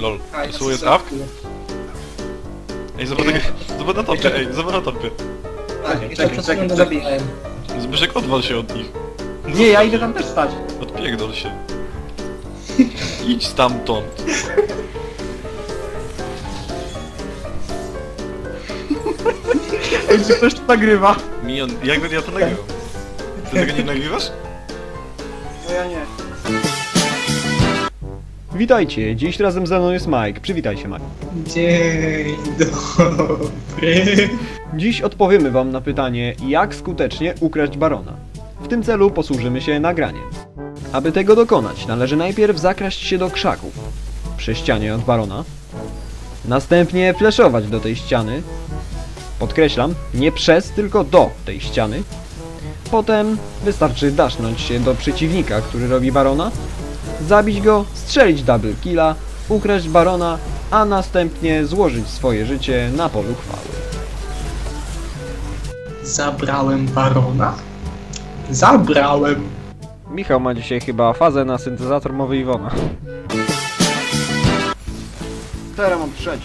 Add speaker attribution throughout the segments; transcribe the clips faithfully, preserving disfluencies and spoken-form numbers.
Speaker 1: Lol.
Speaker 2: A,
Speaker 1: To słuje
Speaker 2: jest
Speaker 1: trawk? Ej, zobacz, zobacz na topie, ej, zobacz na topie.
Speaker 2: Tak,
Speaker 3: Czekaj,
Speaker 2: czekaj,
Speaker 3: czekaj,
Speaker 2: czekaj,
Speaker 3: czekaj.
Speaker 2: zabijałem.
Speaker 1: Zbyszek, odwal się od nich.
Speaker 3: Nie, ja idę tam też stać.
Speaker 1: Odpierdol się. Idź stamtąd.
Speaker 3: Ej, czy ktoś to nagrywa?
Speaker 1: Mion, jak ja to nagrywam? Ty tego nie nagrywasz?
Speaker 3: No ja nie.
Speaker 4: Witajcie, dziś razem ze mną jest Mike. Przywitaj się, Mike.
Speaker 2: Dzień dobry.
Speaker 4: Dziś odpowiemy wam na pytanie, jak skutecznie ukraść barona. W tym celu posłużymy się nagraniem. Aby tego dokonać, należy najpierw zakraść się do krzaków przy ścianie od barona. Następnie fleszować do tej ściany. Podkreślam, nie przez, tylko do tej ściany. Potem wystarczy dasznąć się do przeciwnika, który robi barona, zabić go, strzelić double killa, ukraść barona, a następnie złożyć swoje życie na polu chwały.
Speaker 2: Zabrałem barona? Zabrałem.
Speaker 4: Michał ma dzisiaj chyba fazę na syntezator mowy Iwona.
Speaker 3: Teraz mam trzeci.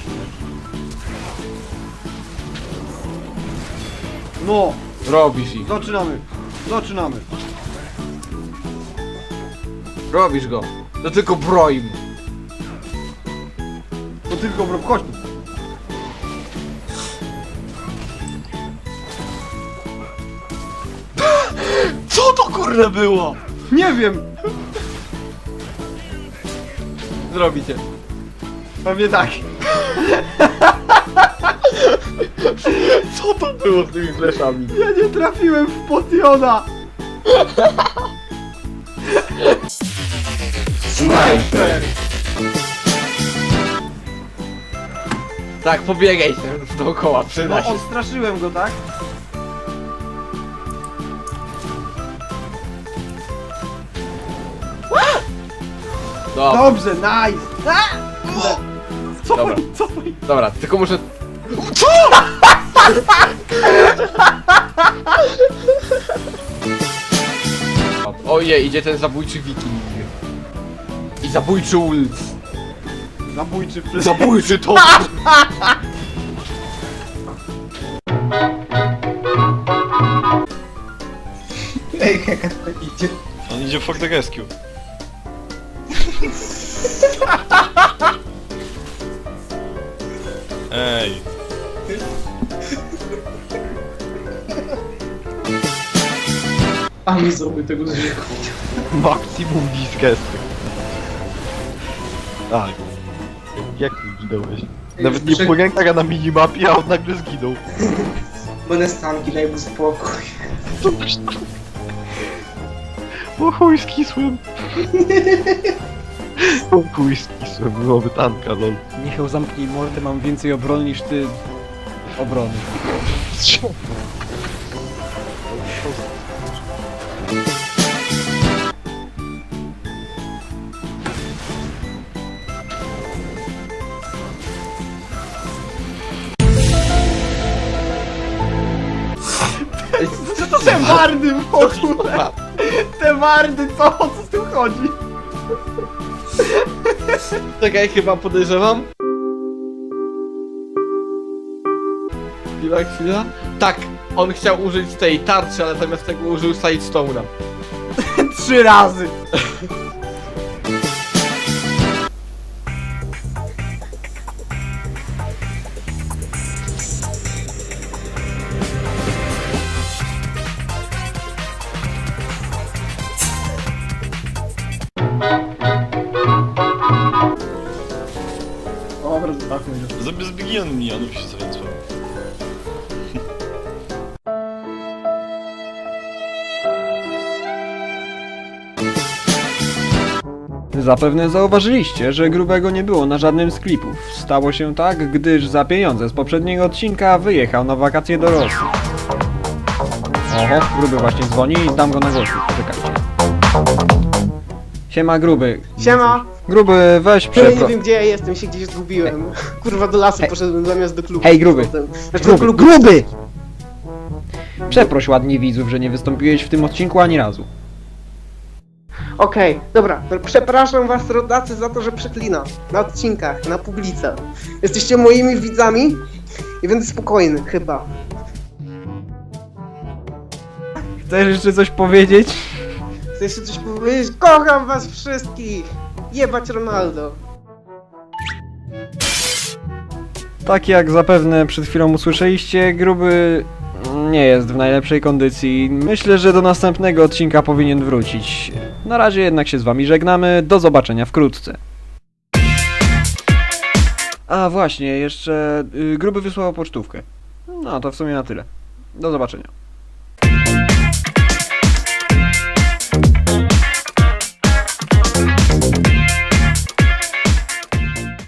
Speaker 3: No,
Speaker 5: Robisz ich.
Speaker 3: zaczynamy. Zaczynamy.
Speaker 5: Robisz go. To tylko broń.
Speaker 3: To tylko bro, chodź tu.
Speaker 5: Co to kurde było?
Speaker 3: Nie wiem.
Speaker 5: Zrobicie.
Speaker 3: Pewnie tak.
Speaker 5: Co to było z tymi fleszami?
Speaker 3: Ja nie trafiłem w potiona.
Speaker 2: Snajper.
Speaker 5: Tak, pobiegaj się dookoła, przyda
Speaker 3: No,
Speaker 5: się.
Speaker 3: odstraszyłem go, tak?
Speaker 5: Dobra,
Speaker 3: Dobrze, nice. A! Co?
Speaker 5: Dobra.
Speaker 3: Co?
Speaker 5: dobra, tylko muszę... Co?! Ojej, idzie ten zabójczy wiking. I zabójczy ult.
Speaker 3: Zabójczy flash.
Speaker 5: Zabójczy to!
Speaker 2: Ej, jaka to idzie.
Speaker 1: On idzie for the rescue. Ej.
Speaker 2: A mi zrobił tego zwierzę.
Speaker 1: Maksimum disgusting. Tak. Jak ty zginąłeś? Nawet nie
Speaker 2: Przy-
Speaker 1: po rękach, a na minimapie, a on nagle zginął.
Speaker 2: Będę stanki, daj mu spokój.
Speaker 1: O chuj skisłem. O chuj skisłem, byłoby tanka, lol.
Speaker 4: Michał, zamknij mordę, mam więcej obrony niż ty... obrony.
Speaker 3: Co to te wardy w ogóle? Te wardy, co? O co z tym chodzi?
Speaker 5: Czekaj, chyba podejrzewam. Chwila, chwila. Tak, on chciał użyć tej tarczy, ale zamiast tego użył Sidestone'a.
Speaker 3: Trzy razy. Dobra, zostawmy go.
Speaker 1: Zamiast zbigion minionów się zręcał.
Speaker 4: Zapewne zauważyliście, że grubego nie było na żadnym z klipów. Stało się tak, gdyż za pieniądze z poprzedniego odcinka wyjechał na wakacje do Rosji. Oho, gruby właśnie dzwoni i dam go na głośnik, czekajcie. Siema gruby.
Speaker 3: Siema.
Speaker 4: Gruby, weź
Speaker 6: Ja nie
Speaker 4: przepro...
Speaker 6: wiem gdzie ja jestem, się gdzieś zgubiłem. Kurwa do lasu
Speaker 4: Hej.
Speaker 6: poszedłem zamiast do klubu.
Speaker 4: Hej, gruby.
Speaker 6: Potem- Znaczy do
Speaker 4: Gruby,
Speaker 6: klubu.
Speaker 4: gruby! Przeproś ładnie widzów, że nie wystąpiłeś w tym odcinku ani razu.
Speaker 6: Okej, dobra, to przepraszam was rodacy za to, że przeklinam. Na odcinkach, na publice. Jesteście moimi widzami i będę spokojny, chyba.
Speaker 4: Chcesz jeszcze coś powiedzieć?
Speaker 6: Chcę jeszcze coś powiedzieć? Kocham was wszystkich! Jebać Ronaldo!
Speaker 4: Tak jak zapewne przed chwilą usłyszeliście, Gruby nie jest w najlepszej kondycji. Myślę, że do następnego odcinka powinien wrócić. Na razie jednak się z wami żegnamy, do zobaczenia wkrótce. A właśnie, jeszcze y, Gruby wysłał pocztówkę. No to w sumie na tyle. Do zobaczenia.